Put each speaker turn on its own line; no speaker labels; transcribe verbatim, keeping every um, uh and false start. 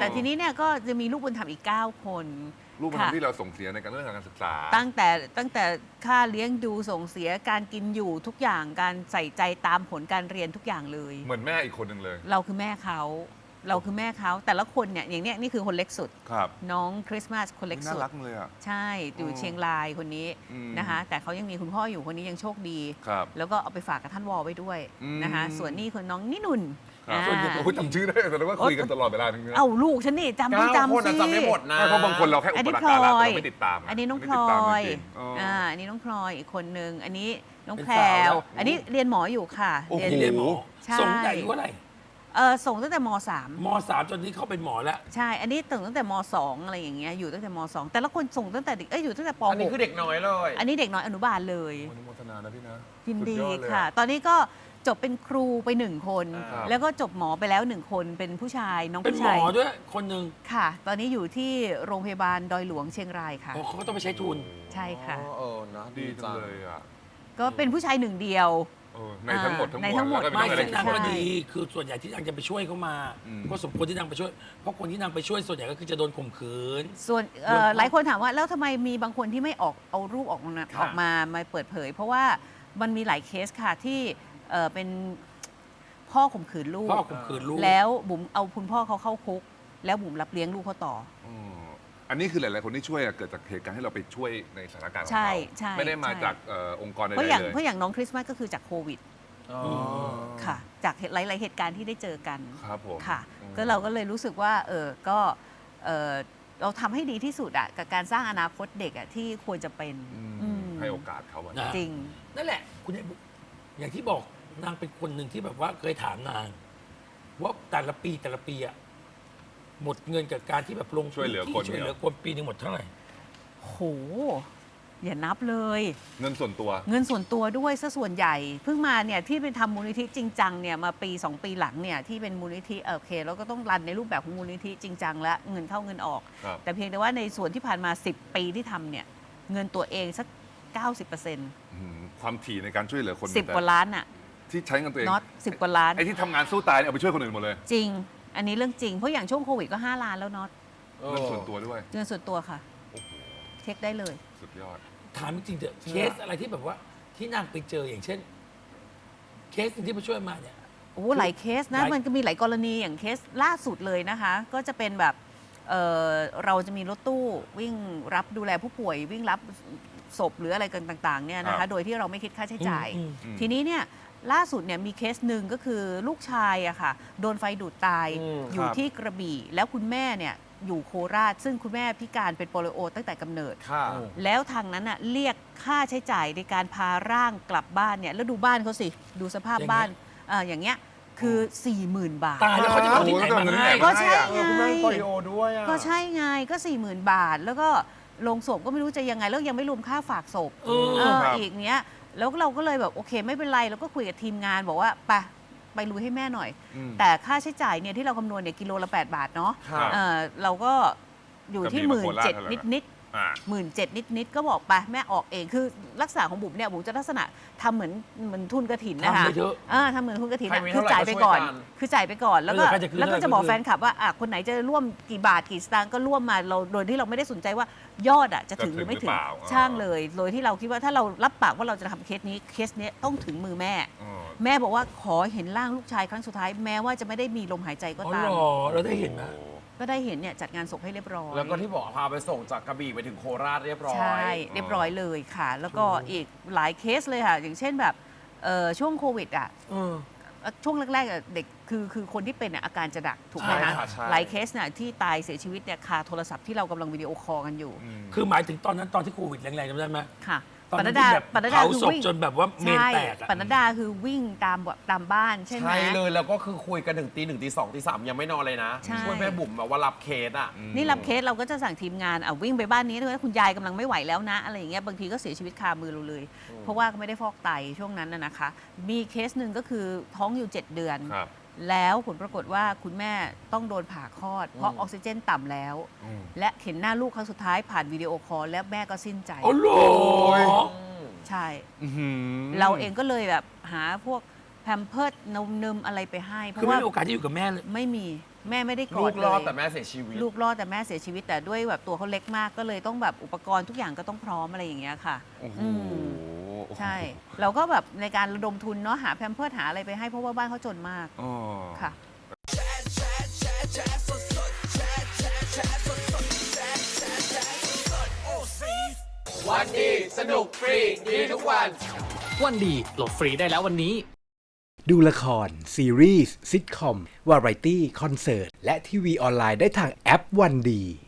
แต่ทีนี้เนี่ยก็จะมีลูกบุญธรรมอีกเก้าคน
ลูกบุญธรรมที่เราส่งเสียในการเรื่องการศึกษา
ตั้งแต่ตั้งแต่ค่าเลี้ยงดูส่งเสียการกินอยู่ทุกอย่างการใส่ใจตามผลการเรียนทุกอย่างเลย
เหมือนแม่อีกคนหนึ่งเลย
เราคือแม่เขาเราคือแม่เขาแต่ละคนเนี่ยอย่างเนี้ยนี่คือคนเล็กสุด
ครับ
น้องคริสต์มาสคนเล็ก
น่า
สุด
รักเลยอ่ะ
ใช่อยู่เชียงรายคนนี้
อืม
นะคะแต่เขายังมีคุณพ่ออยู่คนนี้ยังโชคดี
ครับ
แล้วก็เอาไปฝากกับท่านวอลไว้ด้วย
อืม
นะคะส่วนนี่คือน้องนินุ่น
ครับ
อ่า
ส่วนใหญ่โอ้ยจำชื่อได้แสดงว่าคุยกันตลอดเวลาทั้งนี้
เอ้าลูกฉันนี่จำต้อง
เก้าคน
จำ
อะ
สิ
จำไม่หมดนะ
ไม่เพราะบางคนเราแค่อุ
อัน
ป
นี้
การะ
พล
แต่
อย
เราไม่ติดตาม
อันนี้น้องพล
ไม่
อ
ติดตาม
ย
จริงๆอ๋ออ
อ่าอันนี้น้องพลอยอีกคนนึงอันนี้น้อง
เป็น
แพร
สาวแล้ว ว
อันนี้เรียนหมออยู่ค่ะ
โอ้โห
ที่เรียนหมอ
ใช่
ส่งใหญ่อายุเท่าไหร่
เออส่งตั้งแต่มสาม
มสามจนนี้เขาเป็นหมอแล้ว
ใช่ อันนี้ส่งตั้งแต่มสองอะไรอย่างเงี้ยอยู่ตั้งแต่มสองแต่ละคนส่งตั้งแต่เด็กเอ้ยอยู่ตั้งแต่ป
อันนี้
หก
คือเด็กน้อยเลย
อันนี้เด็กน้อยอนุบาลเลย
อนุโมทนานะพี่นะ
ยินดี
สุยอเลย
ค่ะ
อ
ตอนนี้ก็จบเป็นครูไปหนึ่งคน
ครับ
แล้วก็จบหมอไปแล้วหนึ่งคนเป็นผู้ชายน้อง
เป็น
ผู้
หม
ชา
อย ด้วยคนหนึ่ง
ค่ะ ตอนนี้อยู่ที่โรงพยาบาลดอยหลวงเชียงรายค่ะ
อ๋อเขาก็ต้องไปใช้ทุน
ใช่ค่ะ
อ๋อเออนะ
ดีจังเลยอ่ะ
ก็เป็นผู้ชายหนึ่งเดียว
เออในทั้งหมดทั้งมวล
ในทั้งหมด
แล้วก็
ไม่
เป็น
ซึ่ง
เรื่อง
นาง
อะไร
ก็
ใช่
ดีคือส่วนใหญ่ที่นางจะไปช่วยเขามา
อืม
ก็สมควรที่นางไปช่วย เพราะคนที่นางไปช่วยส่วนใหญ่ก็คือจะโดนข่มขืน
ส่วนเอ่อ
เรื่อง
หลายคนถามว่าแล้วทำไมมีบางคนที่ไม่ออกเอารูปออกมา
ค่ะ
ออกมามาเปิดเผย เพราะว่ามันมีหลายเคสค่ะที่เอ่อเป็นพ่อข่มขืนลูก
พ่อข่มขืนลูก
แล้วบุ๋มเอาคุณพ่อเขาเข้าคุก แล้วบุ๋มรับเลี้ยงลูกเขาต่อ
อืมอันนี้คือหลาย ๆ คนที่ช่วยอะเกิดจากเหตุการณ์ให้เราไปช่วยในสถานการณ์ของ
ใช่
เขา
ใช่
ไม่ได้มา
ใช่
จากเอ่อองค์กรใด
เพราะ
ๆ
อย่าง
เลย
เพราะอย่างน้องคริสต์มาสก็คือจากโควิด
อ๋อ
ค่ะ จากเหตุหลายๆเหตุการณ์ที่ได้เจอกัน
ครับผม
ค่ะ
อืม
ก็เราก็เลยรู้สึกว่าเออก็เออเราทำให้ดีที่สุดอะกับการสร้างอนาคตเด็กอะที่ควรจะเป็น
อืม
อืม
ให้โอกาสเขาอะ
นะ
จริง
นั่นแหละ คุณยายบุ๊กอย่างที่บอกนางเป็นคนหนึ่งที่แบบว่าเคยถามนาง ว่าแต่ละปีแต่ละปีอะหมดเงินกับการที่แบบลง
ช่วยเหลือคน
ช่วยเหลือคนปีหนึงหมดเท่าไหร่
โห อย่านับเลย
เงินส่วนตัว
เงินส่วนตัวด้วยซะส่วนใหญ่ เพิ่งมาเนี่ยที่เป็นทำมูลนิธิจริงจังเนี่ยมาปีสองปีหลังเนี่ยที่เป็นมูลนิธิเออโอเคแล้วก็ต้องรันในรูปแบบของมูลนิธิจริงจังและเงินเข้าเงินออก
ครับ
แต่เพียงแต่ว่าในส่วนที่ผ่านมา สิบ ปีที่ทำเนี่ยเงินตัวเองสัก เก้าสิบเปอร์เซ็นต์
อืมความถี่ในการช่วยเหลือคน
สิบ
แต่
กว่าล้านอะ
ที่ใช้เงินตัวเอง
น็อตสิบกว่าล้าน
ไอ้ที่ทำงานสู้ตายเนี่ยเอาไปช่วยคนอื่นหมดเลย
จริง อันนี้เรื่องจริง เพราะอย่างช่วงโควิดก็ ห้า ล้านแล้วน็อต
เงินส่วนตัวด้วย
เงินส่วนตัวค่ะ
โอ้โห
เช็คได้เลย
สุดยอด
ถามจริงๆเถอะเคสอะไรที่แบบว่า ที่นางไปเจออย่างเช่น เคสหนึ่งที่มาช่วยมาเนี่ย
โอ้โหหลายเคสนะ
หลาย
มันก็มีหลายกรณีอย่างเคสล่าสุดเลยนะคะ ก็จะเป็นแบบเอ่อเราจะมีรถตู้วิ่งรับดูแลผู้ป่วย วิ่งรับศพหรืออะไรกันต่างๆเนี่ยนะ
ครั
คะ
บ
โดยที่เราไม่คิดค่าใช้จ่าย
อืม
อืม
ทีนี้เนี่ยล่าสุดเนี่ยมีเคสหนึ่งก็คือลูกชายอะค่ะโดนไฟดูดตาย
อืม
อยู่
ครับ
ที่กระบี่ แล้วคุณแม่เนี่ยอยู่โคราช ซึ่งคุณแม่พิการเป็นโปลิโอตั้งแต่กำเนิด
ค่ะ
แล้วทางนั้นน่ะเรียกค่าใช้จ่ายในการพาร่างกลับบ้านเนี่ยแล้วดูบ้านเขาสิ ดูสภาพ
อย่างเงี้ย
บ้านเอ่ออย่างเงี้ยคือ สี่หมื่น บาท
ตายแล้วเขาจะเอาที่ไหนมาให้
ก็ใช่
เออคุณแม่เป็นโปลิโอด้วยอ่ะ
ก็ใช่ไงก็ สี่หมื่น บาท แล้วก็ลงศพก็ไม่รู้จะยังไง แล้วยังไม่รวมค่าฝากศพ
เออ
เออ
ครับ
อีกเนี้ยแล้วเราก็เลยแบบโอเคไม่เป็นไรเราก็คุยกับทีมงานบอกว่าไปไปลุยให้แม่หน่อย
อืม
แต่ค่าใช้จ่ายเนี่ยที่เราคำนวณเนี่ยกิโลละแปดบาทเนาะ
ครับ
เออเราก็อยู่ที่
กระบี่
หมื่น
มาโคราช
เจ็ด
เท่าไหร่
นิด
นะ
นิด
อ่า
หมื่นเจ็ดนิดนิดๆก็บอกไปแม่ออกเองคือลักษณะของบุ๋มเนี่ยบุ๋มจะลักษณะทำเหมือนเหมือนทุนกระถินนะคะ
ทำไปเถอะ
อ่าทำเหมือนทุนกระถิน
ใคร
อะ
มี
คือ
เท่าไหร่
จ่ายไป
ก็ช่วย
ก่อน
กัน
คือจ่ายไปก่อนแล้วก็
เออใครจะคืน
แล้วก็
เท่าไหร่
จะบอก
ก็คืน
แฟนคลับว่าอ่ะคนไหนจะร่วมกี่บาทกี่สตางค์ก็ร่วมมาเราโดยที่เราไม่ได้สนใจว่ายอดอ่ะจะถึงหรือไม่ถึง
จะถึงหรือเปล่า
ช่างเลย โดยที่เราคิดว่าถ้าเรารับปากว่าเราจะทำเคสนี้เคสเนี้ยต้องถึงมือแม่
อ๋อ
แม่บอกว่าขอเห็นร่างลูกชายครั้งสุดท้ายแม้ว่าจะไม่ได้มีลมหายใจก็
อ๋อ
ตา
เห
ม
รอเราได้เห็นไหม
โอ้
ก็ได้เห็นเนี่ยจัดงานศพให้เรียบร้อย
แล้วก็ที่บอกพาไปส่งจากกระบี่ไปถึงโคราชเรียบร้อย
ใช่เรียบร้อยเลยค่ะ แล้วก็อีกหลายเคสเลยค่ะ อย่างเช่นแบบเอ่อช่วงโควิดอ่ะ
เออ
ช่วงแรกๆอ่ะเด็กคือคือคนที่เป็นอ่ะอาการจะดักถูกไหม
ใช่
คะ
ค่ะใช่
หลายเคสน่ะที่ตายเสียชีวิตเนี่ยคาโทรศัพท์ที่เรากำลังวิดีโอคอลกันอยู่
อืม
คือหมายถึงตอนนั้นตอนที่โควิดแรงๆจำได้ไหม
ค่ะ
ตอน
ป
นั้
นั
น
ดดา
ที่แบบ
ปนัดดา
เผา
คือ
ศพ
วิ่ง
จนแบบว่าเมน
ใช่
แตกอะ
ปนัดดาคือวิ่งตามตามบ้านใช่ไหม
ใช่เลยแล้วก็คือคุยกันถึงตีหนึ่งตีสองตีสามยังไม่นอนเลยนะ
ใช่
ช่วยแม่บุ๋มแบบว่ารับเคสอ่ะ
นี่รับเคสเราก็จะสั่งทีมงานอ่ะวิ่งไปบ้านนี้ถ้าคุณยายกำลังไม่ไหวแล้วนะอะไรอย่างเงี้ยบางทีก็เสียชีวิตคามือเราเลย เพราะว่าก็ไม่ได้ฟอกไตช่วงนั้นน่ะนะคะ มีเคสหนึ่งก็คือท้องอยู่เจ็ดเดือน
ครับ
แล้วผลปรากฏว่าคุณแม่ต้องโดนผ่าคลอด เพราะออกซิเจนต่ำแล้ว
อืม
และเห็นหน้าลูกครั้งสุดท้ายผ่านวิดีโอคอลแล้วแม่ก็สิ้นใจ
อ๋อเหรอ
ใช่
อื้อหือ
เราเองก็เลยแบบหาพวกแพมเพิร์ดนมนมอะไรไปให้ เพ
คือ
ราะ
ไม่
ว่า
มีโอกาสที่อยู่กับแม่เลย
ไม่มีแม่ไม่ได้กอ
ลู
ด
ก
เลย
รอดแต่แม่เสียชีวิต
ลูกรอดแต่แม่เสียชีวิตแต่ด้วยแบบตัวเขาเล็กมากก็เลยต้องแบบอุปกรณ์ทุกอย่างก็ต้องพร้อมอะไรอย่างเงี้ยค่ะ
โอ้โห
อืมใช่เราก็แบบในการระดมทุนเนาะหาแพมเพิร์สหาอะไรไปให้เพราะว่าบ้านเขาจนมาก
อ๋อ
ค่ะ
วันดีสนุกฟรีดีทุกวัน
วันดีโหลดฟรีได้แล้ววันนี้
ดูละคร ซีรีส์ซิทคอม วาไรตี้ คอนเสิร์ต และทีวีออนไลน์ได้ทางแอปวันดี